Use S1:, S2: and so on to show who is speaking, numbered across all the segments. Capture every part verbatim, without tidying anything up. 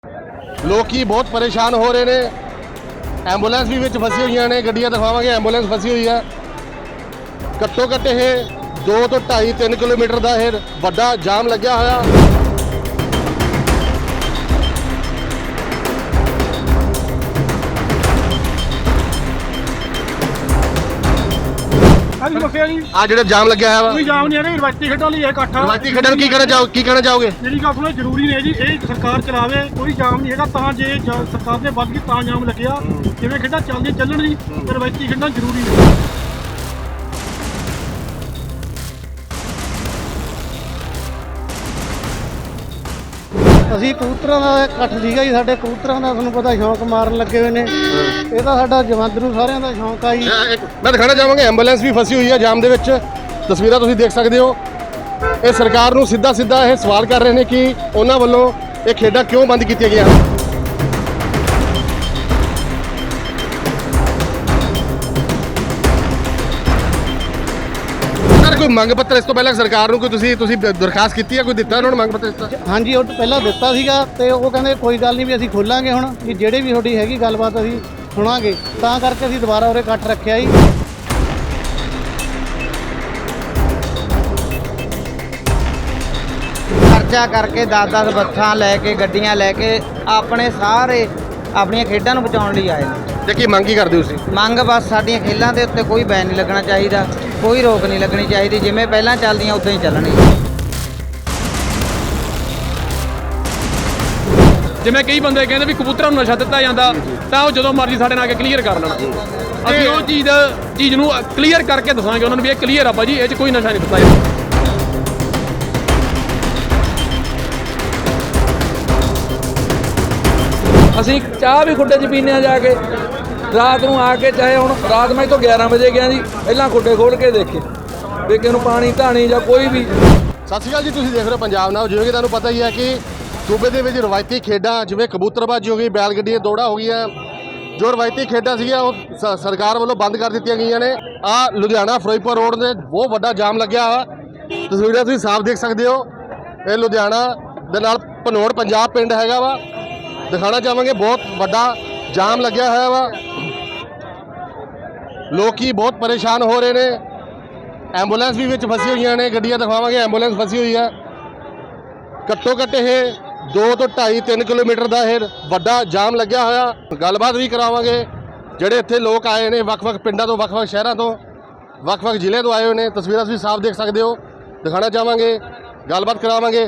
S1: ਲੋਕੀ बहुत परेशान हो रहे हैं। ਐਂਬੂਲੈਂਸ भी ਵਿੱਚ फसी हुई ने, ਗੱਡੀਆਂ ਦਿਖਾਵਾਂਗੇ। ਐਂਬੂਲੈਂਸ फसी हुई है। ਘੱਟੋ ਘੱਟ ਇਹ दो तो ढाई तीन किलोमीटर ਦਾ ਇਹ ਵੱਡਾ ਜਾਮ ਲੱਗਿਆ ਹੋਇਆ। ਆ ਜਿਹੜਾ ਜਾਮ ਲੱਗਿਆ ਹੈ ਵਾ,
S2: ਕੋਈ ਜਾਮ ਨਹੀਂ ਹੈ। ਰਵਾਇਤੀ ਖੇਡਾਂ ਲਈ ਇਹ ਇਕੱਠ ਆ।
S1: ਰਵਾਇਤੀ ਖੇਡਾਂ ਨੂੰ ਕੀ ਕਹਿਣਾ ਚਾਹੋ ਕੀ ਕਹਿਣਾ ਚਾਹੋਗੇ?
S2: ਮੇਰੀ ਗੱਲ ਸੁਣੋ, ਜ਼ਰੂਰੀ ਨੇ ਜੀ, ਇਹ ਸਰਕਾਰ ਚਲਾਵੇ, ਕੋਈ ਜਾਮ ਨਹੀਂ ਹੈਗਾ। ਤਾਂ ਜੇ ਜਾ- ਸਰਕਾਰ ਨੇ ਵੱਧ ਗਈ ਤਾਂ ਜਾਮ ਲੱਗਿਆ। ਜਿਵੇਂ ਖੇਡਾਂ ਚੱਲਦੀਆਂ ਚੱਲਣ ਜੀ, ਤੇ ਰਵਾਇਤੀ ਖੇਡਾਂ ਜ਼ਰੂਰੀ ਨੇ।
S3: ਅਸੀਂ ਕਬੂਤਰਾਂ ਦਾ ਇਕੱਠ ਸੀਗਾ ਜੀ। ਸਾਡੇ ਕਬੂਤਰਾਂ ਦਾ ਤੁਹਾਨੂੰ ਪਤਾ ਸ਼ੌਂਕ ਮਾਰਨ ਲੱਗੇ ਹੋਏ ਨੇ। ਇਹ ਤਾਂ ਸਾਡਾ ਜਵੰਦਰੂ ਸਾਰਿਆਂ ਦਾ ਸ਼ੌਂਕ ਆ ਜੀ।
S1: ਮੈਂ ਦਿਖਾਣਾ ਚਾਹਾਂਗਾ ਐਂਬੂਲੈਂਸ ਵੀ ਫਸੀ ਹੋਈ ਹੈ ਜਾਮ ਦੇ ਵਿੱਚ। ਤਸਵੀਰਾਂ ਤੁਸੀਂ ਦੇਖ ਸਕਦੇ ਹੋ। ਇਹ ਸਰਕਾਰ ਨੂੰ ਸਿੱਧਾ ਸਿੱਧਾ ਇਹ ਸਵਾਲ ਕਰ ਰਹੇ ਨੇ ਕਿ ਉਹਨਾਂ ਵੱਲੋਂ ਇਹ ਖੇਡਾਂ ਕਿਉਂ ਬੰਦ ਕੀਤੀਆਂ ਗਈਆਂ ਹਨ। ਸਰ ਕੋਈ ਮੰਗ ਪੱਤਰ ਇਸ ਤੋਂ ਪਹਿਲਾਂ ਸਰਕਾਰ ਨੂੰ ਕੋਈ ਤੁਸੀਂ ਤੁਸੀਂ ਦਰਖਾਸਤ ਕੀਤੀ ਹੈ, ਕੋਈ ਦਿੱਤਾ ਉਹਨਾਂ ਨੂੰ ਮੰਗ ਪੱਤਰ ਇਸ ਤਰ੍ਹਾਂ?
S3: ਹਾਂਜੀ, ਉਹ ਪਹਿਲਾਂ ਦਿੱਤਾ ਸੀਗਾ ਤੇ ਉਹ ਕਹਿੰਦੇ ਕੋਈ ਗੱਲ ਨਹੀਂ ਵੀ ਅਸੀਂ ਖੋਲਾਂਗੇ ਹੁਣ, ਵੀ ਜਿਹੜੇ ਵੀ ਤੁਹਾਡੀ ਹੈਗੀ ਗੱਲਬਾਤ ਅਸੀਂ ਸੁਣਾਂਗੇ। ਤਾਂ ਕਰਕੇ ਅਸੀਂ ਦੁਬਾਰਾ ਉਰੇ ਇਕੱਠ ਰੱਖਿਆ ਜੀ।
S4: ਖਰਚਾ ਕਰਕੇ ਦਸ ਦਸ ਬੱਸਾਂ ਲੈ ਕੇ, ਗੱਡੀਆਂ ਲੈ ਕੇ ਆਪਣੇ ਸਾਰੇ ਆਪਣੀਆਂ ਖੇਡਾਂ ਨੂੰ ਬਚਾਉਣ ਲਈ ਆਏ ਨੇ।
S1: ਤੇ ਕੀ ਮੰਗ ਕੀ ਕਰਦੇ ਹੋ ਤੁਸੀਂ?
S4: ਮੰਗ ਬਸ ਸਾਡੀਆਂ ਖੇਡਾਂ ਦੇ ਉੱਤੇ ਕੋਈ ਬੈਨ ਨਹੀਂ ਲੱਗਣਾ ਚਾਹੀਦਾ, ਕੋਈ ਰੋਕ ਨਹੀਂ ਲੱਗਣੀ ਚਾਹੀਦੀ। ਜਿਵੇਂ ਪਹਿਲਾਂ ਚੱਲਦੀਆਂ ਉਦਾਂ ਹੀ ਚੱਲਣੀ।
S5: ਜਿਵੇਂ ਕਈ ਬੰਦੇ ਕਹਿੰਦੇ ਵੀ ਕਬੂਤਰਾਂ ਨੂੰ ਨਸ਼ਾ ਦਿੱਤਾ ਜਾਂਦਾ, ਤਾਂ ਉਹ ਜਦੋਂ ਮਰਜ਼ੀ ਸਾਡੇ ਨਾਲ ਆ ਕੇ ਕਲੀਅਰ ਕਰ ਲੈਣਾ। ਅਸੀਂ ਉਹ ਚੀਜ਼ ਚੀਜ਼ ਨੂੰ ਕਲੀਅਰ ਕਰਕੇ ਦੱਸਾਂਗੇ ਉਹਨਾਂ ਨੂੰ ਵੀ ਇਹ ਕਲੀਅਰ ਆ ਭਾਜੀ, ਇਹ 'ਚ ਕੋਈ ਨਸ਼ਾ ਨਹੀਂ ਦਿੱਤਾ ਜਾਂਦਾ।
S6: ਅਸੀਂ ਚਾਹ ਵੀ ਖੁੱਡੇ 'ਚ ਪੀਂਦੇ ਆ ਜਾ ਕੇ ਰਾਤ ਨੂੰ ਆ ਕੇ। ਚਾਹੇ ਹੁਣ ਰਾਤ ਮੈਂ ਤੋਂ ਗਿਆਰਾਂ ਵਜੇ ਗਿਆ ਜੀ, ਪਹਿਲਾਂ ਖੁੱਡੇ ਖੋਲ ਕੇ ਦੇਖੇ ਵੀ ਕਿਸੇ ਨੂੰ ਪਾਣੀ ਧਾਣੀ ਜਾਂ ਕੋਈ ਵੀ।
S1: ਸਤਿ ਸ਼੍ਰੀ ਅਕਾਲ ਜੀ, ਤੁਸੀਂ ਦੇਖ ਰਹੇ ਹੋ ਪੰਜਾਬ ਨਾਓ। ਜਿਵੇਂ ਕਿ ਤੁਹਾਨੂੰ ਪਤਾ ਹੀ ਹੈ ਕਿ ਸੂਬੇ ਦੇ ਵਿੱਚ ਰਵਾਇਤੀ ਖੇਡਾਂ ਜਿਵੇਂ ਕਬੂਤਰਬਾਜ਼ੀ ਹੋ ਗਈ, ਬੈਲ ਗੱਡੀ ਦੀਆਂ ਦੌੜਾਂ ਹੋ ਗਈਆਂ, ਜੋ ਰਵਾਇਤੀ ਖੇਡਾਂ ਸੀਗੀਆਂ ਉਹ ਸ- ਸਰਕਾਰ ਵੱਲੋਂ ਬੰਦ ਕਰ ਦਿੱਤੀਆਂ ਗਈਆਂ ਨੇ। ਆ ਲੁਧਿਆਣਾ ਫਿਰੋਜ਼ਪੁਰ ਰੋਡ ਤੇ ਬਹੁਤ ਵੱਡਾ ਜਾਮ ਲੱਗਿਆ ਵਾ। ਤਸਵੀਰਾਂ ਤੁਸੀਂ ਸਾਫ਼ ਦੇਖ ਸਕਦੇ ਹੋ। ਇਹ ਲੁਧਿਆਣਾ ਦੇ ਨਾਲ ਭਨੋੜ ਪੰਜਾਬ ਪਿੰਡ ਹੈਗਾ ਵਾ। ਦਿਖਾਣਾ ਚਾਹਾਂਗੇ ਬਹੁਤ ਵੱਡਾ ਜਾਮ ਲੱਗਿਆ ਹੋਇਆ ਵਾ। ਲੋਕੀ ਬਹੁਤ ਪਰੇਸ਼ਾਨ ਹੋ ਰਹੇ ਨੇ। ਐਂਬੂਲੈਂਸ ਵੀ ਵਿੱਚ ਫਸੀ ਹੋਈਆਂ ਨੇ, ਗੱਡੀਆਂ ਦਿਖਾਵਾਂਗੇ। ਐਂਬੂਲੈਂਸ ਫਸੀ ਹੋਈ ਹੈ। ਘੱਟੋ ਘੱਟ ਇਹ ਦੋ ਤੋਂ ਢਾਈ ਤਿੰਨ ਕਿਲੋਮੀਟਰ ਦਾ ਇਹ ਵੱਡਾ ਜਾਮ ਲੱਗਿਆ ਹੋਇਆ। ਗੱਲਬਾਤ ਵੀ ਕਰਾਵਾਂਗੇ। ਜਿਹੜੇ ਇੱਥੇ ਲੋਕ ਆਏ ਨੇ ਵੱਖ-ਵੱਖ ਪਿੰਡਾਂ ਤੋਂ, ਵੱਖ-ਵੱਖ ਸ਼ਹਿਰਾਂ ਤੋਂ, ਵੱਖ-ਵੱਖ ਜ਼ਿਲ੍ਹਿਆਂ ਤੋਂ ਆਏ ਹੋਏ ਨੇ। ਤਸਵੀਰਾਂ ਤੁਸੀਂ ਸਾਫ਼ ਦੇਖ ਸਕਦੇ ਹੋ। ਦਿਖਾਣਾ ਚਾਹਾਂਗੇ, ਗੱਲਬਾਤ ਕਰਾਵਾਂਗੇ।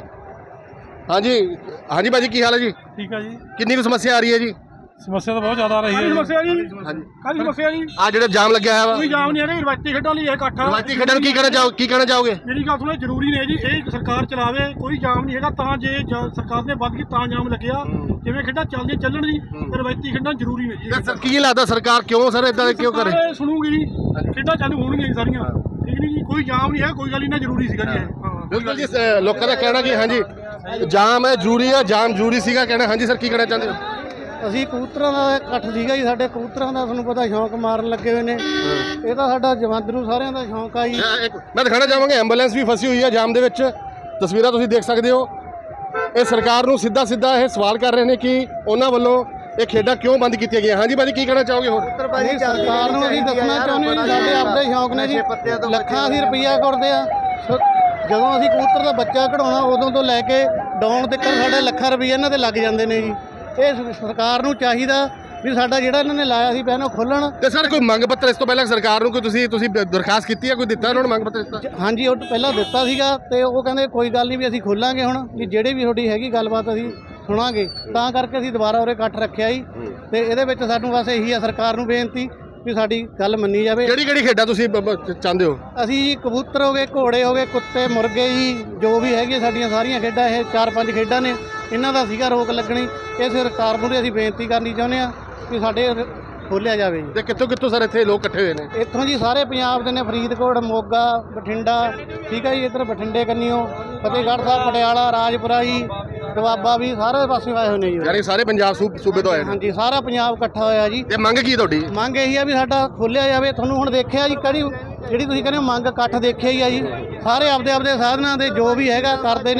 S1: ਹਾਂਜੀ ਹਾਂਜੀ ਭਾਜੀ, ਕੀ ਹਾਲ ਹੈ ਜੀ?
S2: ਠੀਕ ਆ ਜੀ।
S1: ਕਿੰਨੀ ਕੁ ਸਮੱਸਿਆ ਆ ਰਹੀ ਹੈ ਜੀ?
S2: ਸਮੱਸਿਆ ਤਾਂ ਬਹੁਤ ਜ਼ਿਆਦਾ ਆ ਰਹੀ ਹੈ। ਸਮੱਸਿਆ ਜੀ,
S1: ਹਾਂਜੀ,
S2: ਕਾਹਦੀ ਸਮੱਸਿਆ ਜੀ?
S1: ਆ ਜਿਹੜਾ ਜਾਮ ਲੱਗਿਆ ਹੋਇਆ ਵਾ,
S2: ਕੋਈ ਜਾਮ ਨਹੀਂ ਹੈ। ਰਵਾਇਤੀ ਖੇਡਾਂ ਲਈ ਇਹ ਇਕੱਠ ਆ।
S1: ਰਵਾਇਤੀ ਖੇਡਾਂ ਨੂੰ ਕੀ ਕਹਿਣਾ ਚਾਹੋ ਕੀ ਕਹਿਣਾ ਚਾਹੋਗੇ?
S2: ਮੇਰੀ ਗੱਲ ਸੁਣੋ, ਜ਼ਰੂਰੀ ਨੇ ਜੀ, ਇਹ ਸਰਕਾਰ ਚਲਾਵੇ, ਕੋਈ ਜਾਮ ਨਹੀਂ ਹੈਗਾ। ਤਾਂ ਜੇ ਜਾ- ਸਰਕਾਰ ਨੇ ਵੱਧ ਗਈ ਤਾਂ ਜਾਮ ਲੱਗਿਆ। ਜਿਵੇਂ ਖੇਡਾਂ ਚੱਲਦੀਆਂ ਚੱਲਣ ਜੀ, ਤੇ ਰਵਾਇਤੀ ਖੇਡਾਂ ਜ਼ਰੂਰੀ ਨੇ ਜੀ।
S1: ਤੇ ਸਰ ਕੀ ਲੱਗਦਾ ਸਰਕਾਰ ਕਿਉਂ ਸਰ ਇਦਾਂ ਕਿਉਂ ਕਰੇ?
S2: ਸਰਕਾਰ ਸੁਣੂਗੀ ਜੀ, ਖੇਡਾਂ ਚਾਲੂ ਹੋਣਗੀਆਂ ਜੀ ਸਾਰੀਆਂ। ਠੀਕ ਨਹੀਂ ਜੀ, ਕੋਈ ਜਾਮ ਨਹੀਂ ਹੈ, ਕੋਈ ਗੱਲ ਨਹੀਂ, ਜ਼ਰੂਰੀ ਸੀਗਾ ਜੀ ਇਹ। ਹਾਂ
S1: ਬਿਲਕੁਲ ਜੀ, ਸ- ਲੋਕਾਂ ਦਾ ਕਹਿਣਾ ਕਿ ਹਾਂਜੀ ਜਾਮ ਹੈ ਜ਼ਰੂਰੀ ਹੈ, ਜਾਮ ਜ਼ਰੂਰੀ ਸੀਗਾ ਕਹਿਣਾ। ਹਾਂਜੀ ਸਰ, ਕੀ ਕਹਿਣਾ ਚਾਹੁੰਦੇ ਹੋ?
S3: ਅਸੀਂ ਕਬੂਤਰਾਂ ਦਾ ਇਕੱਠ ਸੀਗਾ ਜੀ। ਸਾਡੇ ਕਬੂਤਰਾਂ ਦਾ ਤੁਹਾਨੂੰ ਪਤਾ ਸ਼ੌਂਕ ਮਾਰਨ ਲੱਗੇ ਹੋਏ ਨੇ। ਇਹ ਤਾਂ ਸਾਡਾ ਜਵੰਦਰੂ ਸਾਰਿਆਂ ਦਾ ਸ਼ੌਂਕ ਆ ਜੀ।
S1: ਮੈਂ ਇੱਕ- ਮੈਂ ਦਿਖਾਣਾ ਚਾਹਾਂਗਾ ਐਂਬੂਲੈਂਸ ਵੀ ਫਸੀ ਹੋਈ ਹੈ ਜਾਮ ਦੇ ਵਿੱਚ। ਤਸਵੀਰਾਂ ਤੁਸੀਂ ਦੇਖ ਸਕਦੇ ਹੋ। ਇਹ ਸਰਕਾਰ ਨੂੰ ਸਿੱਧਾ ਸਿੱਧਾ ਇਹ ਸਵਾਲ ਕਰ ਰਹੇ ਨੇ ਕਿ ਉਹਨਾਂ ਵੱਲੋਂ ਇਹ ਖੇਡਾਂ ਕਿਉਂ ਬੰਦ ਕੀਤੀਆਂ ਗਈਆਂ। ਹਾਂਜੀ ਭਾਜੀ, ਕੀ ਕਹਿਣਾ ਚਾਹੋਗੇ ਹੋਰ?
S3: ਨਹੀਂ, ਸਰਕਾਰ ਨੂੰ ਅਸੀਂ ਦੱਸਣਾ ਚਾਹੁੰਦੇ ਹਾਂ ਜੀ, ਸਾਡੇ ਆਪਦੇ ਸ਼ੌਂਕ ਨੇ ਜੀ। ਲੱਖਾਂ ਅਸੀਂ ਰੁਪਈਆ ਕਰਦੇ ਆ। ਸ- ਜਦੋਂ ਅਸੀਂ ਕਬੂਤਰ ਦਾ ਬੱਚਾ ਕਢਾਉਣਾ ਉਦੋਂ ਤੋਂ ਲੈ ਕੇ ਡਾਉਣ ਤੱਕ ਸਾਡੇ ਲੱਖਾਂ ਰੁਪਈਆ ਇਹਨਾਂ ਤੇ ਲੱਗ ਜਾਂਦੇ ਨੇ ਜੀ। ਇਹ ਸ- ਸਰਕਾਰ ਨੂੰ ਚਾਹੀਦਾ ਵੀ ਸਾਡਾ ਜਿਹੜਾ ਇਹਨਾਂ ਨੇ ਲਾਇਆ ਸੀ ਪਹਿਲਾਂ ਖੋਲਣ।
S1: ਤੇ ਸਰ ਕੋਈ ਮੰਗ ਪੱਤਰ ਇਸ ਤੋਂ ਪਹਿਲਾਂ ਸਰਕਾਰ ਨੂੰ ਕੋਈ ਤੁਸੀਂ ਤੁਸੀਂ ਦਰਖਾਸਤ ਕੀਤੀ ਹੈ, ਕੋਈ ਦਿੱਤਾ ਉਹਨਾਂ ਨੂੰ ਮੰਗ ਪੱਤਰ ਦਿੱਤਾ?
S3: ਹਾਂਜੀ, ਉਹ ਪਹਿਲਾਂ ਦਿੱਤਾ ਸੀਗਾ ਤੇ ਉਹ ਕਹਿੰਦੇ ਕੋਈ ਗੱਲ ਨਹੀਂ ਵੀ ਅਸੀਂ ਖੋਲਾਂਗੇ ਹੁਣ, ਵੀ ਜਿਹੜੇ ਵੀ ਤੁਹਾਡੀ ਹੈਗੀ ਗੱਲਬਾਤ ਅਸੀਂ ਸੁਣਾਂਗੇ। ਤਾਂ ਕਰਕੇ ਅਸੀਂ ਦੁਬਾਰਾ ਉਰੇ ਇਕੱਠ ਰੱਖਿਆ ਜੀ। ਤੇ ਇਹਦੇ ਵਿੱਚ ਸਾਨੂੰ ਬਸ ਇਹੀ ਆ ਸਰਕਾਰ ਨੂੰ ਬੇਨਤੀ ਵੀ ਸਾਡੀ ਗੱਲ ਮੰਨੀ ਜਾਵੇ।
S1: ਕਿਹੜੀ ਕਿਹੜੀ ਖੇਡਾਂ ਤੁਸੀਂ ਬ- ਬ- ਚਾਹੁੰਦੇ ਹੋ?
S3: ਅਸੀਂ ਜੀ ਕਬੂਤਰ ਹੋ ਗਏ, ਘੋੜੇ ਹੋ ਗਏ, ਕੁੱਤੇ, ਮੁਰਗੇ ਜੀ, ਜੋ ਵੀ ਹੈਗੇ ਸਾਡੀਆਂ ਸਾਰੀਆਂ ਖੇਡਾਂ, ਇਹ ਚਾਰ ਪੰਜ ਖੇਡਾਂ ਨੇ, ਇਹਨਾਂ ਦਾ ਸੀਗਾ ਰੋਕ ਲੱਗਣੀ। ਇਹ ਸਰਕਾਰ ਨੂੰ ਅਸੀਂ ਬੇਨਤੀ ਕਰਨੀ ਚਾਹੁੰਦੇ ਹਾਂ ਕਿ ਸਾਡੇ ਖੋਲ੍ਹਿਆ ਜਾਵੇ ਜੀ।
S1: ਤੇ ਕਿੱਥੋਂ ਕਿੱਥੋਂ ਸਰ ਇੱਥੇ ਲੋਕ ਇਕੱਠੇ ਹੋਏ ਨੇ?
S3: ਇੱਥੋਂ ਜੀ ਸਾਰੇ ਪੰਜਾਬ ਦੇ ਨੇ, ਫਰੀਦਕੋਟ, ਮੋਗਾ, ਬਠਿੰਡਾ, ਠੀਕ ਹੈ ਜੀ, ਇੱਧਰ ਬਠਿੰਡੇ ਕੰਨੀਓ, ਫਤਿਹਗੜ੍ਹ ਸਾਹਿਬ, ਪਟਿਆਲਾ, ਰਾਜਪੁਰਾ ਜੀ, ਦੁਆਬਾ ਵੀ, ਸਾਰੇ ਪਾਸੇ ਆਏ ਹੋਏ ਨੇ ਜੀ।
S1: ਯਾਨੀ ਸਾਰੇ ਪੰਜਾਬ ਸੂ- ਸੂਬੇ ਤੋਂ ਆਏ ਨੇ।
S3: ਹਾਂਜੀ, ਸਾਰਾ ਪੰਜਾਬ ਇਕੱਠਾ ਹੋਇਆ ਜੀ।
S1: ਤੇ ਮੰਗ ਕੀ ਤੁਹਾਡੀ?
S3: ਮੰਗ ਇਹੀ ਆ ਵੀ ਸਾਡਾ ਖੋਲ੍ਹਿਆ ਜਾਵੇ। ਤੁਹਾਨੂੰ ਹੁਣ ਦੇਖਿਆ ਜੀ ਕਿਹੜੀ ਜਿਹੜੀ ਤੁਸੀਂ ਕਹਿੰਦੇ ਹੋ ਮੰਗ ਇਕੱਠ ਦੇਖਿਆ ਹੀ ਆ ਜੀ। ਸਾਰੇ ਆਪਦੇ ਆਪਦੇ ਸਾਧਨਾਂ ਦੇ ਜੋ ਵੀ ਹੈਗਾ ਕਰਦੇ ਨੇ।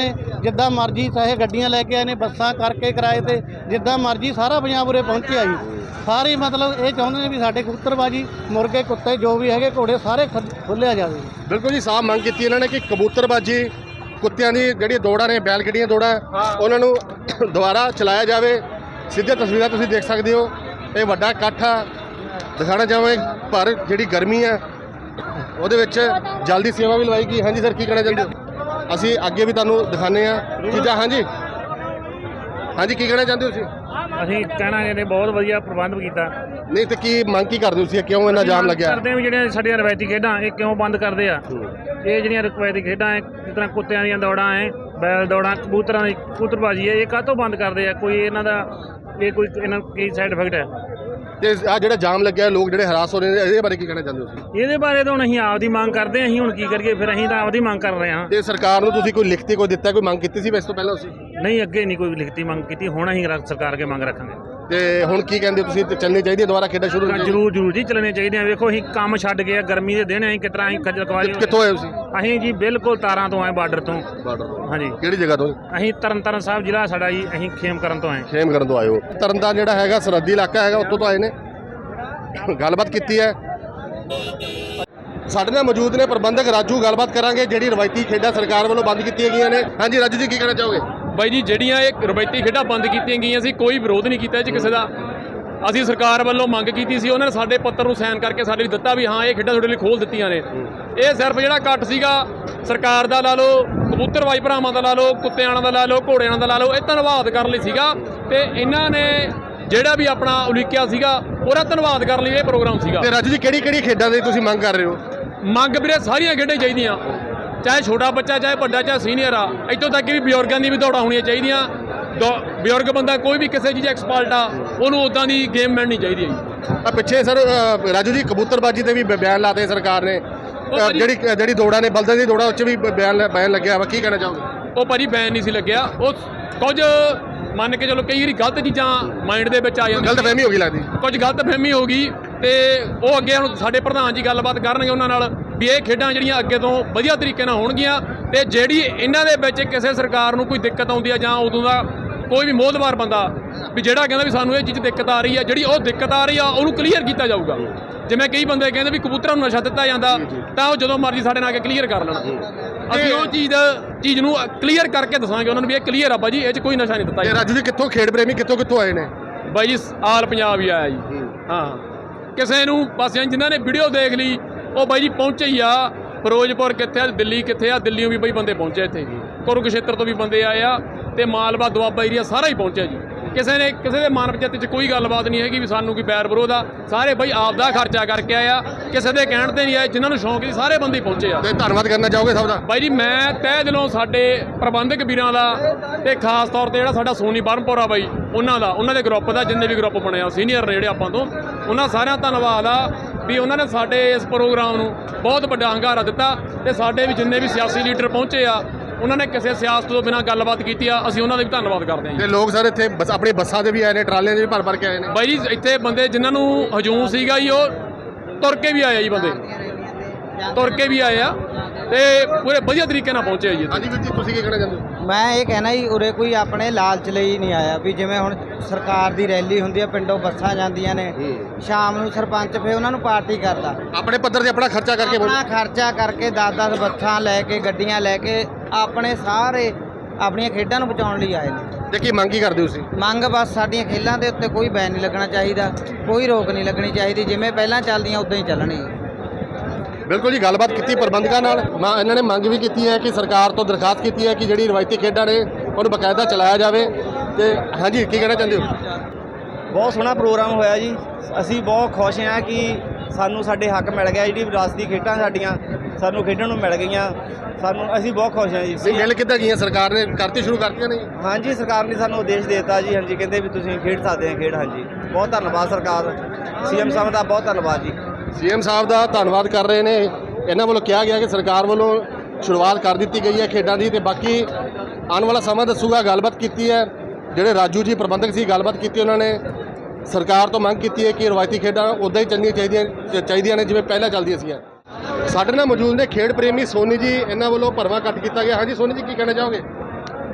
S3: ਜਿੱਦਾਂ ਮਰਜ਼ੀ ਚਾਹੇ ਗੱਡੀਆਂ ਲੈ ਕੇ ਆਏ ਨੇ, ਬੱਸਾਂ ਕਰਕੇ ਕਿਰਾਏ ਤੇ, ਜਿੱਦਾਂ ਮਰਜ਼ੀ ਸਾਰਾ ਪੰਜਾਬ ਉਰੇ ਪਹੁੰਚਿਆ ਜੀ। ਸਾਰੇ ਮਤਲਬ ਇਹ ਚਾਹੁੰਦੇ ਨੇ ਵੀ ਸਾਡੇ ਕਬੂਤਰਬਾਜੀ, ਮੁਰਗੇ, ਕੁੱਤੇ ਜੋ ਵੀ ਹੈਗੇ, ਘੋੜੇ ਸਾਰੇ ਖੁੱਲਿਆ ਜਾਵੇ।
S1: ਬਿਲਕੁਲ ਜੀ, ਸਾਫ਼ ਮੰਗ ਕੀਤੀ ਇਹਨਾਂ ਨੇ ਕਿ ਕਬੂਤਰਬਾਜੀ, ਕੁੱਤਿਆਂ ਦੀ ਜਿਹੜੀਆਂ ਦੌੜਾਂ ਨੇ, ਬੈਲ ਗੱਡੀਆਂ ਦੌੜਾਂ, ਉਹਨਾਂ ਨੂੰ ਦੁਬਾਰਾ ਚਲਾਇਆ ਜਾਵੇ। ਸਿੱਧੇ ਤਸਵੀਰਾਂ ਤੁਸੀਂ ਦੇਖ ਸਕਦੇ ਹੋ, ਇਹ ਵੱਡਾ ਇਕੱਠ ਆ। ਦਿਖਾਣਾ ਚਾਹਾਂਗੇ ਪਰ ਜਿਹੜੀ ਗਰਮੀ ਆ ਉਹਦੇ ਵਿੱਚ ਜਲਦੀ ਸੇਵਾ ਵੀ ਲਵਾਈ ਗਈ। ਹਾਂਜੀ ਸਰ, ਕੀ ਕਹਿਣਾ ਚਾਹੁੰਦੇ ਹੋ? ਅਸੀਂ ਅੱਗੇ ਵੀ ਤੁਹਾਨੂੰ ਦਿਖਾਉਂਦੇ ਆ ਚੀਜ਼ਾਂ। ਹਾਂਜੀ ਹਾਂਜੀ, ਕੀ ਕਹਿਣਾ ਚਾਹੁੰਦੇ ਹੋ ਤੁਸੀਂ?
S7: ਅਸੀਂ ਕਹਿਣਾ ਇਹਨੇ ਬਹੁਤ ਵਧੀਆ ਪ੍ਰਬੰਧ ਕੀਤਾ।
S1: ਨਹੀਂ ਤੇ ਕੀ ਮੰਗ ਕੀ ਕਰਦੇ ਹੋ ਤੁਸੀਂ? ਕਿਉਂ ਇੰਨਾ ਜਾਮ ਲੱਗਿਆ?
S7: ਕਰਦੇ ਆ ਵੀ ਜਿਹੜੀਆਂ ਸਾਡੀਆਂ ਰਵਾਇਤੀ ਖੇਡਾਂ ਇਹ ਕਿਉਂ ਬੰਦ ਕਰਦੇ ਆ? ਇਹ ਜਿਹੜੀਆਂ ਰਵਾਇਤੀ ਖੇਡਾਂ ਹੈ, ਜਿਸ ਤਰ੍ਹਾਂ ਕੁੱਤਿਆਂ ਦੀਆਂ ਦੌੜਾਂ ਹੈ, ਬੈਲ ਦੌੜਾਂ, ਕਬੂਤਰਾਂ ਦੀ ਕਬੂਤਰਬਾਜੀ ਹੈ, ਇਹ ਕਾਹਤੋਂ ਬੰਦ ਕਰਦੇ ਆ? ਕੋਈ ਇਹਨਾਂ ਦਾ ਇਹ ਕੋਈ ਇਹਨਾਂ ਕੀ ਸਾਈਡ ਇਫੈਕਟ ਹੈ?
S1: ਤੇ ਆ ਜਿਹੜਾ ਜਾਮ ਲੱਗਿਆ, ਲੋਕ ਜਿਹੜੇ ਹਰਾਸ ਹੋ ਰਹੇ ਨੇ, ਇਹਦੇ ਬਾਰੇ ਕੀ ਕਹਿਣਾ ਚਾਹੁੰਦੇ ਹੋ ਤੁਸੀਂ?
S7: ਇਹਦੇ ਬਾਰੇ ਤਾਂ ਹੁਣ ਅਸੀਂ ਆਪਦੀ ਮੰਗ ਕਰਦੇ ਹਾਂ। ਅਸੀਂ ਹੁਣ ਕੀ ਕਰੀਏ ਫਿਰ? ਅਸੀਂ ਤਾਂ ਆਪਦੀ ਮੰਗ ਕਰ ਰਹੇ ਹਾਂ।
S1: ਤੇ ਸਰਕਾਰ ਨੂੰ ਤੁਸੀਂ ਕੋਈ ਲਿਖਤੀ ਕੋਈ ਦਿੱਤਾ, ਕੋਈ ਮੰਗ ਕੀਤੀ ਸੀ ਇਸ ਤੋਂ ਪਹਿਲਾਂ ਤੁਸੀਂ?
S7: ਨਹੀਂ, ਅੱਗੇ ਨਹੀਂ ਕੋਈ ਲਿਖਤੀ ਮੰਗ ਕੀਤੀ। ਹੁਣ ਅਸੀਂ ਰ- ਸਰਕਾਰ ਅੱਗੇ ਮੰਗ ਰੱਖਾਂਗੇ।
S1: ਤੇ ਹੁਣ ਕੀ ਕਹਿੰਦੇ ਹੋ ਤੁਸੀਂ? ਤੇ ਚੱਲਣੀ ਚਾਹੀਦੀ ਹੈ ਦੁਬਾਰਾ ਖੇਡਾਂ ਸ਼ੁਰੂ?
S7: ਜਰੂਰ ਜਰੂਰ ਜੀ, ਚੱਲਣੇ ਚਾਹੀਦੇ ਆ। ਵੇਖੋ ਅਸੀਂ ਕੰਮ ਛੱਡ ਗਏ ਆ, ਗਰਮੀ ਦੇ ਦਿਨ ਅਸੀਂ ਕਿਸ ਤਰ੍ਹਾਂ ਅਸੀਂ ਖੱਜਲ ਖਵਾਰੀ।
S1: ਕਿੱਥੋਂ ਆਏ ਤੁਸੀਂ?
S7: ਅਸੀਂ ਜੀ ਬਿਲਕੁਲ ਤਾਰਾਂ ਤੋਂ ਆਏ, ਬਾਰਡਰ ਤੋਂ।
S1: ਬਾਰਡਰ ਤੋਂ?
S7: ਹਾਂਜੀ।
S1: ਕਿਹੜੀ ਜਗ੍ਹਾ ਤੋਂ?
S7: ਅਸੀਂ ਤਰਨਤਾਰਨ ਸਾਹਿਬ ਜ਼ਿਲ੍ਹਾ ਸਾਡਾ ਜੀ, ਅਸੀਂ ਖੇਮ ਕਰਨ ਤੋਂ ਆਏ।
S1: ਖੇਮ ਕਰਨ ਤੋਂ ਆਏ ਹੋ? ਤਰਨਤਾਰਨ ਜਿਹੜਾ ਹੈਗਾ ਸਰਹੱਦੀ ਇਲਾਕਾ ਹੈਗਾ, ਉੱਥੋਂ ਤੋਂ ਆਏ ਨੇ। ਗੱਲਬਾਤ ਕੀਤੀ ਹੈ ਸਾਡੇ ਨਾਲ ਮੌਜੂਦ ਨੇ ਪ੍ਰਬੰਧਕ ਰਾਜੂ। ਗੱਲਬਾਤ ਕਰਾਂਗੇ ਜਿਹੜੀ ਰਵਾਇਤੀ ਖੇਡਾਂ ਸਰਕਾਰ ਵੱਲੋਂ ਬੰਦ ਕੀਤੀਆਂ ਗਈਆਂ ਨੇ। ਹਾਂਜੀ ਰਾਜੂ ਜੀ, ਕੀ ਕਹਿਣਾ ਚਾਹੋਗੇ?
S5: ਬਾਈ ਜੀ, ਜਿਹੜੀਆਂ ਇਹ ਰਵਾਇਤੀ ਖੇਡਾਂ ਬੰਦ ਕੀਤੀਆਂ ਗਈਆਂ ਸੀ, ਕੋਈ ਵਿਰੋਧ ਨਹੀਂ ਕੀਤਾ ਇਹ 'ਚ ਕਿਸੇ ਦਾ। ਅਸੀਂ ਸਰਕਾਰ ਵੱਲੋਂ ਮੰਗ ਕੀਤੀ ਸੀ, ਉਹਨਾਂ ਨੇ ਸਾਡੇ ਪੱਤਰ ਨੂੰ ਸਾਈਨ ਕਰਕੇ ਸਾਡੇ ਲਈ ਦਿੱਤਾ ਵੀ ਹਾਂ ਇਹ ਖੇਡਾਂ ਤੁਹਾਡੇ ਲਈ ਖੋਲ੍ਹ ਦਿੱਤੀਆਂ ਨੇ। ਇਹ ਸਿਰਫ ਜਿਹੜਾ ਇਕੱਠ ਸੀਗਾ ਸਰਕਾਰ ਦਾ ਲਾ ਲਓ, ਕਬੂਤਰਬਾਜ਼ ਭਰਾਵਾਂ ਦਾ ਲਾ ਲਓ, ਕੁੱਤਿਆਂ ਦਾ ਲਾ ਲਓ, ਘੋੜਿਆਂ ਦਾ ਲਾ ਲਓ, ਇਹ ਧੰਨਵਾਦ ਕਰਨ ਲਈ ਸੀਗਾ। ਤੇ ਇਹਨਾਂ ਨੇ ਜਿਹੜਾ ਵੀ ਆਪਣਾ ਉਲੀਕਿਆ ਸੀਗਾ ਉਹਦਾ ਧੰਨਵਾਦ ਕਰਨ ਲਈ ਇਹ ਪ੍ਰੋਗਰਾਮ ਸੀਗਾ।
S1: ਤੇ ਰਾਜੂ ਜੀ, ਕਿਹੜੀ ਕਿਹੜੀ ਖੇਡਾਂ ਦੀ ਤੁਸੀਂ ਮੰਗ ਕਰ ਰਹੇ ਹੋ?
S5: ਮੰਗ ਵੀਰੇ ਸਾਰੀਆਂ ਖੇਡਾਂ ਚਾਹੀਦੀਆਂ, ਚਾਹੇ ਛੋਟਾ ਬੱਚਾ, ਚਾਹੇ ਵੱਡਾ, ਚਾਹੇ ਸੀਨੀਅਰ ਆ। ਇੱਥੋਂ ਤੱਕ ਵੀ ਬਜ਼ੁਰਗਾਂ ਦੀ ਵੀ ਦੌੜਾਂ ਹੋਣੀਆਂ ਚਾਹੀਦੀਆਂ। ਬਜ਼ੁਰਗ ਬੰਦਾ ਕੋਈ ਵੀ ਕਿਸੇ ਚੀਜ਼ ਐਕਸਪਰਟ ਆ, ਉਹਨੂੰ ਉਦਾਂ ਦੀ ਗੇਮ ਮਿਲਣੀ ਚਾਹੀਦੀ ਹੈ।
S1: ਆ ਪਿੱਛੇ ਸਰ ਰਾਜੂ ਜੀ ਕਬੂਤਰਬਾਜੀ ਤੇ ਵੀ ਬਿਆਨ ਲਾਤੇ ਸਰਕਾਰ ਨੇ। ਅ, ਜਿਹੜੀ ਜਿਹੜੀ ਦੌੜਾਂ ਨੇ, ਬਲਦਾਂ ਦੀ ਦੌੜਾਂ, ਉਹ 'ਚ ਵੀ ਬਿਆਨ ਬਿਆਨ ਲੱਗਿਆ ਵਾ। ਕੀ ਕਹਿਣਾ ਚਾਹੋਗੇ?
S5: ਉਹ ਭਾਜੀ ਬੈਨ ਨਹੀਂ ਸੀ ਲੱਗਿਆ। ਉਹ ਕੁਝ ਮੰਨ ਕੇ ਚਲੋ ਕਈ ਵਾਰੀ ਗਲਤ ਚੀਜ਼ਾਂ ਮਾਈਂਡ ਦੇ ਵਿੱਚ ਆ ਜਾਂਦੀਆਂ,
S1: ਗਲਤ ਫਹਿਮੀ ਹੋ ਗਈ ਲੱਗਦੀ।
S5: ਕੁਝ ਗਲਤ ਫਹਿਮੀ ਹੋ ਗਈ। ਤੇ ਉਹ ਅੱਗੇ ਹੁਣ ਸਾਡੇ ਪ੍ਰਧਾਨ ਜੀ ਗੱਲਬਾਤ ਕਰਨਗੇ ਉਹਨਾਂ ਨਾਲ ਵੀ ਇਹ ਖੇਡਾਂ ਜਿਹੜੀਆਂ ਅੱਗੇ ਤੋਂ ਵਧੀਆ ਤਰੀਕੇ ਨਾਲ ਹੋਣਗੀਆਂ। ਤੇ ਜਿਹੜੀ ਇਹਨਾਂ ਦੇ ਵਿੱਚ ਕਿਸੇ ਸਰਕਾਰ ਨੂੰ ਕੋਈ ਦਿੱਕਤ ਆਉਂਦੀ ਆ, ਜਾਂ ਉਦੋਂ ਦਾ ਕੋਈ ਵੀ ਮੋਹਦਵਾਰ ਬੰਦਾ ਵੀ ਜਿਹੜਾ ਕਹਿੰਦਾ ਵੀ ਸਾਨੂੰ ਇਹ ਚੀਜ਼ ਦਿੱਕਤ ਆ ਰਹੀ ਆ, ਜਿਹੜੀ ਉਹ ਦਿੱਕਤ ਆ ਰਹੀ ਆ ਉਹਨੂੰ ਕਲੀਅਰ ਕੀਤਾ ਜਾਊਗਾ। ਜਿਵੇਂ ਕਈ ਬੰਦੇ ਕਹਿੰਦੇ ਵੀ ਕਬੂਤਰਾਂ ਨੂੰ ਨਸ਼ਾ ਦਿੱਤਾ ਜਾਂਦਾ, ਤਾਂ ਉਹ ਜਦੋਂ ਮਰਜ਼ੀ ਸਾਡੇ ਨਾਲ ਆ ਕੇ ਕਲੀਅਰ ਕਰ ਲੈਣ। ਅਸੀਂ ਉਹ ਚੀਜ਼ ਚੀਜ਼ ਨੂੰ ਕਲੀਅਰ ਕਰਕੇ ਦੱਸਾਂਗੇ ਉਹਨਾਂ ਨੂੰ ਵੀ ਇਹ ਕਲੀਅਰ ਆ ਬਾਈ ਜੀ, ਇਹ 'ਚ ਕੋਈ ਨਸ਼ਾ ਨਹੀਂ ਦਿੱਤਾ
S1: ਤੇ
S5: ਜਾਂਦਾ।
S1: ਰਾਜੂ ਜੀ, ਕਿੱਥੋਂ ਖੇਡ ਪ੍ਰੇਮੀ ਕਿੱਥੋਂ ਕਿੱਥੋਂ ਆਏ ਨੇ?
S5: ਬਾਈ ਜੀ ਆਲ ਪੰਜਾਬ ਹੀ ਆਇਆ ਜੀ। ਹਾਂ, ਕਿਸੇ ਨੂੰ ਬਸ ਜਿਨ੍ਹਾਂ ਨੇ ਵੀਡੀਓ ਦੇਖ ਲਈ ਉਹ ਬਾਈ ਜੀ ਪਹੁੰਚੇ ਹੀ ਆ। ਫਿਰੋਜ਼ਪੁਰ ਕਿੱਥੇ ਆ, ਦਿੱਲੀ ਕਿੱਥੇ ਆ, ਦਿੱਲੀੋਂ ਵੀ ਬਈ ਬੰਦੇ ਪਹੁੰਚੇ ਇੱਥੇ, ਕੁਰੂਕਸ਼ੇਤਰ ਤੋਂ ਵੀ ਬੰਦੇ ਆਏ ਆ, ਤੇ ਮਾਲਵਾ ਦੁਆਬਾ ਏਰੀਆ ਸਾਰਾ ਹੀ ਪਹੁੰਚਿਆ ਜੀ। ਕਿਸੇ ਨੇ ਕਿਸੇ ਦੇ ਮਨ ਵਿੱਚ 'ਚ ਕੋਈ ਗੱਲਬਾਤ ਨਹੀਂ ਹੈਗੀ ਵੀ ਸਾਨੂੰ ਕੋਈ ਬੈਰ ਵਿਰੋਧ ਆ। ਸਾਰੇ ਬਈ ਆਪ ਦਾ ਖਰਚਾ ਕਰਕੇ ਆਏ ਆ, ਕਿਸੇ ਦੇ ਕਹਿਣ ਤੇ ਨਹੀਂ ਆਏ। ਜਿਨ੍ਹਾਂ ਨੂੰ ਸ਼ੌਂਕ ਸੀ ਸਾਰੇ ਬੰਦੇ ਪਹੁੰਚੇ ਆ।
S1: ਤੇ ਧੰਨਵਾਦ ਕਰਨਾ ਚਾਹੋਗੇ ਸਭ ਦਾ?
S5: ਬਾਈ ਜੀ, ਮੈਂ ਤਹਿ ਦਿਲੋਂ ਸਾਡੇ ਪ੍ਰਬੰਧਕ ਵੀਰਾਂ ਦਾ, ਤੇ ਖਾਸ ਤੌਰ ਤੇ ਜਿਹੜਾ ਸਾਡਾ ਸੋਨੀ ਬਰਮਪੁਰ ਆ ਬਾਈ, ਉਹਨਾਂ ਦਾ, ਉਹਨਾਂ ਦੇ ਗਰੁੱਪ ਦਾ, ਜਿੰਨੇ ਵੀ ਗਰੁੱਪ ਬਣੇ ਆ ਸੀਨੀਅਰ ਨੇ ਜਿਹੜੇ ਆਪਾਂ ਤੋਂ, ਉਹਨਾਂ ਸਾਰਿਆਂ ਦਾ ਧੰਨਵਾਦ ਆ ਵੀ ਉਹਨਾਂ ਨੇ ਸਾਡੇ ਇਸ ਪ੍ਰੋਗਰਾਮ ਨੂੰ ਬਹੁਤ ਵੱਡਾ ਹੰਗਾਰਾ ਦਿੱਤਾ। ਤੇ ਸਾਡੇ ਵੀ ਜਿੰਨੇ ਵੀ ਸਿਆਸੀ ਲੀਡਰ ਪਹੁੰਚੇ ਆ, ਉਹਨਾਂ ਨੇ ਕਿਸੇ ਸਿਆਸਤ ਤੋਂ ਬਿਨਾਂ ਗੱਲਬਾਤ ਕੀਤੀ ਆ, ਅਸੀਂ ਉਹਨਾਂ ਦਾ ਵੀ ਧੰਨਵਾਦ ਕਰਦੇ ਹਾਂ।
S1: ਤੇ ਲੋਕ ਸਰ ਇੱਥੇ ਬਸ ਆਪਣੀ ਬੱਸਾਂ ਦੇ ਵੀ ਆਏ ਨੇ, ਟਰਾਲਿਆਂ ਦੇ ਵੀ ਭਰ ਭਰ ਕੇ ਆਏ ਨੇ।
S5: ਬਾਈ ਜੀ, ਇੱਥੇ ਬੰਦੇ ਜਿਨ੍ਹਾਂ ਨੂੰ ਹਜੂਮ ਸੀਗਾ ਜੀ, ਉਹ ਤੁਰ ਕੇ ਵੀ ਆਏ ਆ ਜੀ, ਬੰਦੇ ਤੁਰ ਕੇ ਵੀ ਆਏ ਆ, ਤੇ ਪੂਰੇ ਵਧੀਆ ਤਰੀਕੇ ਨਾਲ ਪਹੁੰਚੇ ਆ ਜੀ।
S1: ਹਾਂਜੀ ਵੀਰ ਜੀ, ਤੁਸੀਂ ਕੀ ਕਹਿਣਾ ਚਾਹੁੰਦੇ ਹੋ?
S4: ਮੈਂ ਇਹ ਕਹਿਣਾ ਜੀ, ਉਰੇ ਕੋਈ ਆਪਣੇ ਲਾਲਚ ਲਈ ਨਹੀਂ ਆਇਆ ਵੀ ਜਿਵੇਂ ਹੁਣ ਸਰਕਾਰ ਦੀ ਰੈਲੀ ਹੁੰਦੀ ਹੈ, ਪਿੰਡੋਂ ਬੱਸਾਂ ਜਾਂਦੀਆਂ ਨੇ, ਸ਼ਾਮ ਨੂੰ ਸਰਪੰਚ ਫੇ ਉਹਨਾਂ ਨੂੰ ਪਾਰਟੀ ਕਰਦਾ,
S1: ਆਪਣੇ ਪੱਧਰ ਤੇ ਆਪਣਾ ਖਰਚਾ ਕਰਕੇ
S4: ਆਪਣਾ ਖਰਚਾ ਕਰਕੇ ਦਸ ਦਸ ਬੱਸਾਂ ਲੈ ਕੇ, ਗੱਡੀਆਂ ਲੈ ਕੇ ਆਪਣੇ ਸਾਰੇ ਆਪਣੀਆਂ ਖੇਡਾਂ ਨੂੰ ਬਚਾਉਣ ਲਈ ਆਏ ਨੇ।
S1: ਤੇ ਕੀ ਮੰਗ ਕੀ ਕਰਦੇ ਹੋ ਤੁਸੀਂ?
S4: ਮੰਗ ਬਸ ਸਾਡੀਆਂ ਖੇਲਾਂ ਦੇ ਉੱਤੇ ਕੋਈ ਬੈਨ ਨਹੀਂ ਲੱਗਣਾ ਚਾਹੀਦਾ, ਕੋਈ ਰੋਕ ਨਹੀਂ ਲੱਗਣੀ ਚਾਹੀਦੀ, ਜਿਵੇਂ ਪਹਿਲਾਂ ਚੱਲਦੀਆਂ ਉਦਾਂ ਹੀ ਚੱਲਣੀ।
S1: ਬਿਲਕੁਲ ਜੀ, ਗੱਲਬਾਤ ਕੀਤੀ ਪ੍ਰਬੰਧਕਾਂ ਨਾਲ। ਮੈਂ ਇਹਨਾਂ ਨੇ ਮੰਗ ਵੀ ਕੀਤੀ ਹੈ ਕਿ ਸਰਕਾਰ ਤੋਂ ਦਰਖਾਸਤ ਕੀਤੀ ਹੈ ਕਿ ਜਿਹੜੀ ਰਵਾਇਤੀ ਖੇਡਾਂ ਨੇ ਉਹਨੂੰ ਬਕਾਇਦਾ ਚਲਾਇਆ ਜਾਵੇ। ਤੇ ਹਾਂਜੀ, ਕੀ ਕਹਿਣਾ ਚਾਹੁੰਦੇ ਹੋ?
S8: ਬਹੁਤ ਸੋਹਣਾ ਪ੍ਰੋਗਰਾਮ ਹੋਇਆ ਜੀ। ਅਸੀਂ ਬਹੁਤ ਖੁਸ਼ ਹਾਂ ਕਿ ਸਾਨੂੰ ਸਾਡੇ ਹੱਕ ਮਿਲ ਗਿਆ। ਜਿਹੜੀ ਵਿਰਾਸਤੀ ਖੇਡਾਂ ਸਾਡੀਆਂ ਸਾਨੂੰ ਖੇਡਣ ਨੂੰ ਮਿਲ ਗਈਆਂ, ਸਾਨੂੰ ਅਸੀਂ ਬਹੁਤ ਖੁਸ਼ ਹਾਂ ਜੀ।
S1: ਨਹੀਂ, ਮਿਲ ਕਿੱਦਾਂ ਗਈਆਂ? ਸਰਕਾਰ ਨੇ ਕਰਤੀ ਸ਼ੁਰੂ ਕਰਤੀਆਂ ਨਹੀਂ?
S8: ਹਾਂਜੀ, ਸਰਕਾਰ ਨੇ ਸਾਨੂੰ ਉਦੇਸ਼ ਦੇ ਦਿੱਤਾ ਜੀ। ਹਾਂਜੀ, ਕਹਿੰਦੇ ਵੀ ਤੁਸੀਂ ਖੇਡ ਸਕਦੇ ਆ ਖੇਡ। ਹਾਂਜੀ, ਬਹੁਤ ਧੰਨਵਾਦ ਸਰਕਾਰ, ਸੀਐਮ ਸਾਹਿਬ ਦਾ ਬਹੁਤ ਧੰਨਵਾਦ ਜੀ।
S1: ਸੀਐਮ ਸਾਹਿਬ ਦਾ ਧੰਨਵਾਦ ਕਰ ਰਹੇ ਨੇ। ਇਹਨਾਂ ਵੱਲੋਂ ਕਿਹਾ ਗਿਆ ਕਿ ਸਰਕਾਰ ਵੱਲੋਂ ਸ਼ੁਰੂਆਤ ਕਰ ਦਿੱਤੀ ਗਈ ਹੈ ਖੇਡਾਂ ਦੀ, ਤੇ ਬਾਕੀ ਆਉਣ ਵਾਲਾ ਸਮਾਂ ਦੱਸੂਗਾ। ਗੱਲਬਾਤ ਕੀਤੀ ਹੈ ਜਿਹੜੇ ਰਾਜੂ ਜੀ ਪ੍ਰਬੰਧਕ ਸੀ, ਗੱਲਬਾਤ ਕੀਤੀ ਉਹਨਾਂ ਨੇ। ਸਰਕਾਰ ਤੋਂ ਮੰਗ ਕੀਤੀ ਹੈ ਕਿ ਰਵਾਇਤੀ ਖੇਡਾਂ ਉੱਦਾਂ ਹੀ ਚੱਲਣੀਆਂ ਚਾਹੀਦੀਆਂ ਚਾਹੀਦੀਆਂ ਨੇ ਜਿਵੇਂ ਪਹਿਲਾਂ ਚੱਲਦੀਆਂ ਸੀਗੀਆਂ। ਸਾਡੇ ਨਾਲ ਮੌਜੂਦ ਨੇ ਖੇਡ ਪ੍ਰੇਮੀ ਸੋਨੀ ਜੀ, ਇਹਨਾਂ ਵੱਲੋਂ ਭਰਵਾਂ ਕੱਟ ਕੀਤਾ ਗਿਆ। ਹਾਂਜੀ ਸੋਨੀ ਜੀ, ਕੀ ਕਹਿਣਾ ਚਾਹੋਗੇ?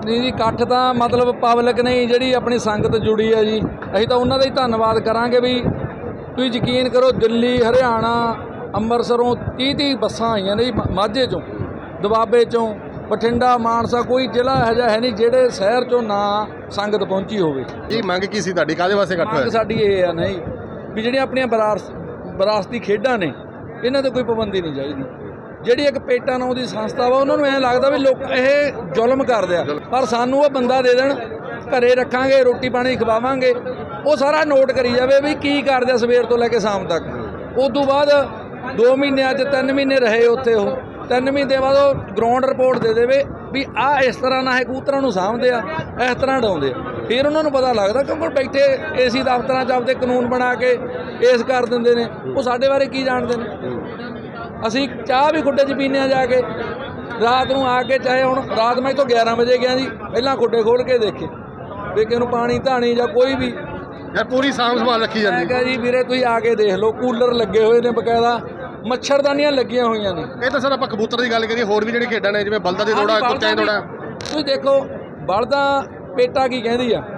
S6: ਨਹੀਂ ਜੀ, ਇਕੱਠ ਤਾਂ ਮਤਲਬ ਪਬਲਿਕ ਨਹੀਂ ਜਿਹੜੀ ਆਪਣੀ ਸੰਗਤ ਜੁੜੀ ਹੈ ਜੀ, ਅਸੀਂ ਤਾਂ ਉਹਨਾਂ ਦਾ ਹੀ ਧੰਨਵਾਦ ਕਰਾਂਗੇ ਵੀ ਤੁਸੀਂ ਯਕੀਨ ਕਰੋ ਦਿੱਲੀ, ਹਰਿਆਣਾ, ਅੰਮ੍ਰਿਤਸਰੋਂ ਤੀਹ ਤੀਹ ਬੱਸਾਂ ਆਈਆਂ ਨੇ ਜੀ, ਮਾਝੇ 'ਚੋਂ, ਦੁਆਬੇ 'ਚੋਂ, ਬਠਿੰਡਾ, ਮਾਨਸਾ, ਕੋਈ ਜ਼ਿਲ੍ਹਾ ਇਹੋ ਜਿਹਾ ਹੈ ਨਹੀਂ ਜਿਹੜੇ ਸ਼ਹਿਰ 'ਚੋਂ ਨਾ ਸੰਗਤ ਪਹੁੰਚੀ ਹੋਵੇ।
S1: ਕੀ ਮੰਗ ਕੀ ਸੀ ਤੁਹਾਡੀ, ਕਾਹਦੇ ਵਾਸਤੇ ਇਕੱਠ
S6: ਮੰਗ
S1: ਹੋਇਆ?
S6: ਸਾਡੀ ਇਹ ਆ ਨਹੀਂ ਵੀ ਜਿਹੜੀਆਂ ਆਪਣੀਆਂ ਵਿਰਾਸ ਵਿਰਾਸਤੀ ਖੇਡਾਂ ਨੇ ਇਹਨਾਂ 'ਤੇ ਕੋਈ ਪਾਬੰਦੀ ਨਹੀਂ ਚਾਹੀਦੀ। ਜਿਹੜੀ ਇੱਕ ਪੇਟਾ ਨਾਂ ਦੀ ਸੰਸਥਾ ਵਾ ਉਹਨਾਂ ਨੂੰ ਐਂ ਲੱਗਦਾ ਵੀ ਲੋਕ ਇਹ ਜ਼ੁਲਮ ਕਰਦੇ ਆ, ਪਰ ਸਾਨੂੰ ਉਹ ਬੰਦਾ ਦੇ ਦੇਣ, ਘਰੇ ਰੱਖਾਂਗੇ, ਰੋਟੀ ਪਾਣੀ ਖਵਾਵਾਂਗੇ, ਉਹ ਸਾਰਾ ਨੋਟ ਕਰੀ ਜਾਵੇ ਵੀ ਕੀ ਕਰਦੇ ਆ ਸਵੇਰ ਤੋਂ ਲੈ ਕੇ ਸ਼ਾਮ ਤੱਕ। ਉਸ ਤੋਂ ਬਾਅਦ ਦੋ ਮਹੀਨੇ ਅੱਜ ਤਿੰਨ ਮਹੀਨੇ ਰਹੇ ਉੱਥੇ, ਉਹ ਤਿੰਨ ਮਹੀਨੇ ਬਾਅਦ ਉਹ ਗਰਾਊਂਡ ਰਿਪੋਰਟ ਦੇ ਦੇਵੇ ਵੀ ਆਹ ਇਸ ਤਰ੍ਹਾਂ ਨਾਲ ਇਹ ਕਬੂਤਰਾਂ ਨੂੰ ਸਾਂਭਦੇ ਆ, ਇਸ ਤਰ੍ਹਾਂ ਉਡਾਉਂਦੇ ਆ। ਫਿਰ ਉਹਨਾਂ ਨੂੰ ਪਤਾ ਲੱਗਦਾ, ਕਿਉਂਕਿ ਬੈਠੇ ਏਸੀ ਦਫ਼ਤਰਾਂ 'ਚ ਆਪਦੇ ਕਾਨੂੰਨ ਬਣਾ ਕੇ ਇਸ ਕਰ ਦਿੰਦੇ ਨੇ, ਉਹ ਸਾਡੇ ਬਾਰੇ ਕੀ ਜਾਣਦੇ ਨੇ। ਅਸੀਂ ਚਾਹ ਵੀ ਖੁੱਡੇ 'ਚ ਪੀਂਦੇ ਹਾਂ ਜਾ ਕੇ, ਰਾਤ ਨੂੰ ਆ ਕੇ, ਚਾਹੇ ਹੁਣ ਰਾਤ ਮੈਂ ਤੋਂ ਗਿਆਰਾਂ ਵਜੇ ਗਿਆ ਜੀ, ਪਹਿਲਾਂ ਖੁੱਡੇ ਖੋਲ੍ਹ ਕੇ ਦੇਖੇ ਵੀ ਕਿਸੇ ਨੂੰ ਪਾਣੀ ਧਾਣੀ ਜਾਂ ਕੋਈ ਵੀ
S1: ਯਾਰ ਪੂਰੀ ਸਾਂਭ ਸੰਭਾਲ ਰੱਖੀ
S6: ਮੈਂ
S1: ਜਾਂਦੀ।
S6: ਕਿਹਾ ਜੀ ਵੀਰੇ ਤੁਸੀਂ ਆ ਕੇ ਦੇਖ ਲਓ, ਕੂਲਰ ਲੱਗੇ ਹੋਏ ਨੇ ਬਕਾਇਦਾ, ਮੱਛਰਦਾਨੀਆਂ ਲੱਗੀਆਂ ਹੋਈਆਂ ਨੇ।
S1: ਇਹ ਤਾਂ ਸਰ ਆਪਾਂ ਕਬੂਤਰ ਦੀ ਗੱਲ ਕਰੀਏ, ਹੋਰ ਵੀ ਜਿਹੜੀ ਖੇਡਾਂ ਨੇ ਜਿਵੇਂ ਬਲਦਾਂ ਦੀ ਦੌੜਾ, ਕੁੱਤਿਆਂ ਦੀ ਦੌੜਾ,
S6: ਤੁਸੀਂ ਦੇਖੋ ਬਲਦਾਂ ਪੇਟਾ ਕੀ ਕਹਿੰਦੀ ਆ,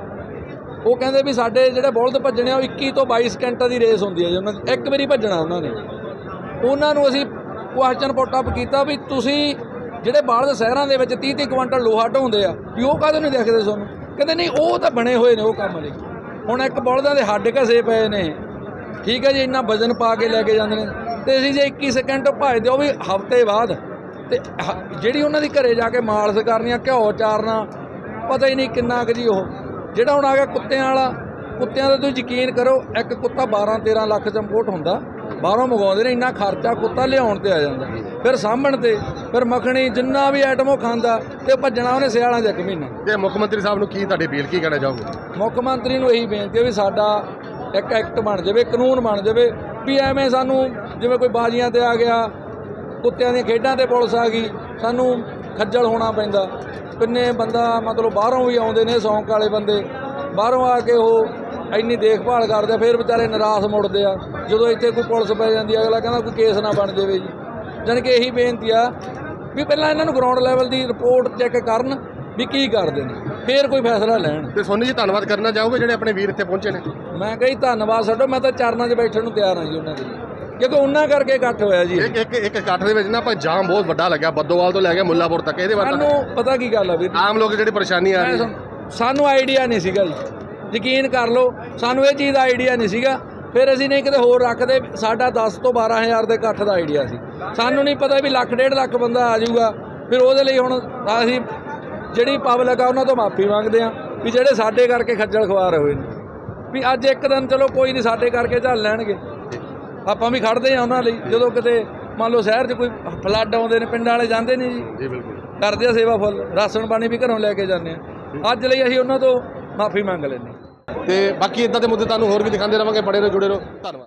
S6: ਉਹ ਕਹਿੰਦੇ ਵੀ ਸਾਡੇ ਜਿਹੜੇ ਬਲਦ ਭੱਜਣੇ ਆ ਉਹ ਇੱਕੀ ਤੋਂ ਬਾਈ ਸਕਿੰਟਾਂ ਦੀ ਰੇਸ ਹੁੰਦੀ ਹੈ ਜੀ, ਉਹਨਾਂ ਦੀ ਇੱਕ ਵਾਰੀ ਭੱਜਣਾ ਉਹਨਾਂ ਨੇ। ਉਹਨਾਂ ਨੂੰ ਅਸੀਂ ਕੁਐਸਚਨ ਪੁੱਟ ਅਪ ਕੀਤਾ ਵੀ ਤੁਸੀਂ ਜਿਹੜੇ ਬਲਦ ਸ਼ਹਿਰਾਂ ਦੇ ਵਿੱਚ ਤੀਹ ਤੀਹ ਕੁਇੰਟਲ ਲੋਹਾ ਢੋਂਦੇ ਆ ਵੀ ਉਹ ਕਾਹਦੇ ਨਹੀਂ ਦੇਖਦੇ ਤੁਹਾਨੂੰ? ਕਹਿੰਦੇ ਨਹੀਂ ਉਹ ਤਾਂ ਬਣੇ ਹੋਏ ਨੇ ਉਹ ਕੰਮ ਲਈ। ਹੁਣ ਇੱਕ ਬਲਦਾਂ ਦੇ ਹੱਡ ਘਸੇ ਪਏ ਨੇ, ਠੀਕ ਹੈ ਜੀ, ਇੰਨਾ ਵਜ਼ਨ ਪਾ ਕੇ ਲੈ ਕੇ ਜਾਂਦੇ ਨੇ, ਤੇ ਅਸੀਂ ਜੇ ਇੱਕੀ ਸਕਿੰਟ ਭੱਜਦੇ ਉਹ ਵੀ ਹਫ਼ਤੇ ਬਾਅਦ, ਤੇ ਜਿਹੜੀ ਉਹਨਾਂ ਦੀ ਘਰੇ ਜਾ ਕੇ ਮਾਲਸ਼ ਕਰਨੀ ਆ, ਘਿਓ ਚਾਰਨਾ, ਪਤਾ ਹੀ ਨਹੀਂ ਕਿੰਨਾ ਕੁ ਜੀ। ਉਹ ਜਿਹੜਾ ਹੁਣ ਆ ਗਿਆ ਕੁੱਤਿਆਂ ਵਾਲਾ, ਕੁੱਤਿਆਂ ਦਾ ਤੁਸੀਂ ਯਕੀਨ ਕਰੋ, ਇੱਕ ਕੁੱਤਾ ਬਾਰਾਂ ਤੇਰਾਂ ਲੱਖ 'ਚ ਇੰਪੋਰਟ ਹੁੰਦਾ, ਬਾਹਰੋਂ ਮੰਗਵਾਉਂਦੇ ਨੇ, ਇੰਨਾ ਖਰਚਾ ਕੁੱਤਾ ਲਿਆਉਣ 'ਤੇ ਆ ਜਾਂਦਾ, ਫਿਰ ਸਾਂਭਣ 'ਤੇ, ਫਿਰ ਮੱਖਣੀ, ਜਿੰਨਾ ਵੀ ਆਈਟਮ ਉਹ ਖਾਂਦਾ, ਤੇ ਭੱਜਣਾ ਉਹਨੇ ਸਿਆਲਾਂ 'ਚ ਇੱਕ ਮਹੀਨਾ।
S1: ਤੇ ਮੁੱਖ ਮੰਤਰੀ ਸਾਹਿਬ ਨੂੰ ਕੀ ਤੁਹਾਡੀ ਅਪੀਲ ਕੀ ਕਹਿਣਾ ਚਾਹੋਗੇ?
S6: ਮੁੱਖ ਮੰਤਰੀ ਨੂੰ ਇਹੀ ਬੇਨਤੀ ਹੈ ਵੀ ਸਾਡਾ ਇੱਕ ਐਕਟ ਬਣ ਜਾਵੇ, ਕਾਨੂੰਨ ਬਣ ਜਾਵੇ ਵੀ ਐਵੇਂ ਸਾਨੂੰ ਜਿਵੇਂ ਕੋਈ ਬਾਜ਼ੀਆਂ 'ਤੇ ਆ ਗਿਆ, ਕੁੱਤਿਆਂ ਦੀਆਂ ਖੇਡਾਂ 'ਤੇ ਪੁਲਿਸ ਆ ਗਈ, ਸਾਨੂੰ ਖੱਜਲ ਹੋਣਾ ਪੈਂਦਾ। ਕਿੰਨੇ ਬੰਦਾ ਮਤਲਬ ਬਾਹਰੋਂ ਵੀ ਆਉਂਦੇ ਨੇ ਸ਼ੌਂਕ ਵਾਲੇ ਬੰਦੇ, ਬਾਹਰੋਂ ਆ ਕੇ ਉਹ ਇੰਨੀ ਦੇਖਭਾਲ ਕਰਦੇ ਆ, ਫਿਰ ਵਿਚਾਰੇ ਨਿਰਾਸ਼ ਮੁੜਦੇ ਆ ਜਦੋਂ ਇੱਥੇ ਕੋਈ ਪੁਲਿਸ ਪੈ ਜਾਂਦੀ ਆ, ਅਗਲਾ ਕਹਿੰਦਾ ਕੋਈ ਕੇਸ ਨਾ ਬਣ ਜਾਵੇ ਜੀ। ਜਾਣੀ ਕਿ ਇਹੀ ਬੇਨਤੀ ਆ ਵੀ ਪਹਿਲਾਂ ਇਹਨਾਂ ਨੂੰ ਗਰਾਊਂਡ ਲੈਵਲ ਦੀ ਰਿਪੋਰਟ ਚੈੱਕ ਕਰਨ ਵੀ ਕੀ ਕਰਦੇ ਨੇ, ਫਿਰ ਕੋਈ ਫੈਸਲਾ ਲੈਣ।
S1: ਤੇ ਸੋਨੀ ਜੀ ਧੰਨਵਾਦ ਕਰਨਾ ਚਾਹੋਗੇ ਜਿਹੜੇ ਆਪਣੇ ਵੀਰ ਇੱਥੇ ਪਹੁੰਚੇ ਨੇ?
S6: ਮੈਂ ਕਹੀ ਧੰਨਵਾਦ ਛੱਡੋ, ਮੈਂ ਤਾਂ ਚਰਨਾਂ 'ਚ ਬੈਠਣ ਨੂੰ ਤਿਆਰ ਹਾਂ ਜੀ ਉਹਨਾਂ ਦੇ, ਕਿਉਂਕਿ ਉਹਨਾਂ ਕਰਕੇ ਇਕੱਠ ਹੋਇਆ ਜੀ।
S1: ਇੱਕ ਇੱਕ ਇੱਕ ਇਕੱਠ ਦੇ ਵਿੱਚ ਨਾ ਆਪਾਂ ਜਾਮ ਬਹੁਤ ਵੱਡਾ ਲੱਗਿਆ, ਬੱਦੋਵਾਲ ਤੋਂ ਲੈ ਕੇ ਮੁੱਲਾਪੁਰ ਤੱਕ। ਇਹਦੇ ਬਾਰੇ
S6: ਸਾਨੂੰ ਪਤਾ ਕੀ ਗੱਲ ਆ ਵੀਰ,
S1: ਆਮ ਲੋਕ ਜਿਹੜੀ ਪਰੇਸ਼ਾਨੀ ਆ ਰਹੀ ਹੈ,
S6: ਸਾਨੂੰ ਆਈਡੀਆ ਨਹੀਂ ਸੀਗਾ ਜੀ, ਯਕੀਨ ਕਰ ਲਓ ਸਾਨੂੰ ਇਹ ਚੀਜ਼ ਦਾ ਆਈਡੀਆ ਨਹੀਂ ਸੀਗਾ। ਫਿਰ ਅਸੀਂ ਨਹੀਂ ਕਿਤੇ ਹੋਰ ਰੱਖਦੇ, ਸਾਡਾ ਦਸ ਤੋਂ ਬਾਰਾਂ ਹਜ਼ਾਰ ਦੇ ਇਕੱਠ ਦਾ ਆਈਡੀਆ ਸੀ, ਸਾਨੂੰ ਨਹੀਂ ਪਤਾ ਵੀ ਲੱਖ ਡੇਢ ਲੱਖ ਬੰਦਾ ਆ ਜਾਊਗਾ। ਫਿਰ ਉਹਦੇ ਲਈ ਹੁਣ ਅਸੀਂ ਜਿਹੜੀ ਪਬਲਿਕ ਆ ਉਹਨਾਂ ਤੋਂ ਮਾਫੀ ਮੰਗਦੇ ਹਾਂ ਵੀ ਜਿਹੜੇ ਸਾਡੇ ਕਰਕੇ ਖੱਜਲ ਖਵਾਰ ਹੋਏ ਨੇ, ਵੀ ਅੱਜ ਇੱਕ ਦਿਨ ਚਲੋ ਕੋਈ ਨਹੀਂ ਸਾਡੇ ਕਰਕੇ ਝੱਲ ਲੈਣਗੇ, ਆਪਾਂ ਵੀ ਖੜਦੇ ਹਾਂ ਉਹਨਾਂ ਲਈ। ਜਦੋਂ ਕਿਤੇ ਮੰਨ ਲਓ ਸ਼ਹਿਰ 'ਚ ਕੋਈ ਫਲੱਡ ਆਉਂਦੇ ਨੇ, ਪਿੰਡਾਂ ਵਾਲੇ ਜਾਂਦੇ ਨਹੀਂ ਜੀ,
S1: ਜੀ ਬਿਲਕੁਲ
S6: ਕਰਦੇ ਆ ਸੇਵਾ ਫੁੱਲ, ਰਾਸ਼ਨ ਪਾਣੀ ਵੀ ਘਰੋਂ ਲੈ ਕੇ ਜਾਂਦੇ ਆ। ਅੱਜ ਲਈ ਅਸੀਂ ਉਹਨਾਂ ਤੋਂ ਮਾਫੀ ਮੰਗ ਲੈਂਦੇ ਹਾਂ।
S1: ਤੇ ਬਾਕੀ ਇਦਾਂ ਦੇ ਮੁੱਦੇ ਤੁਹਾਨੂੰ ਹੋਰ ਵੀ ਦਿਖਾਉਂਦੇ ਰਵਾਂਗੇ, ਬੜੇ ਰਹੋ, ਜੁੜੇ ਰਹੋ, ਧੰਨਵਾਦ।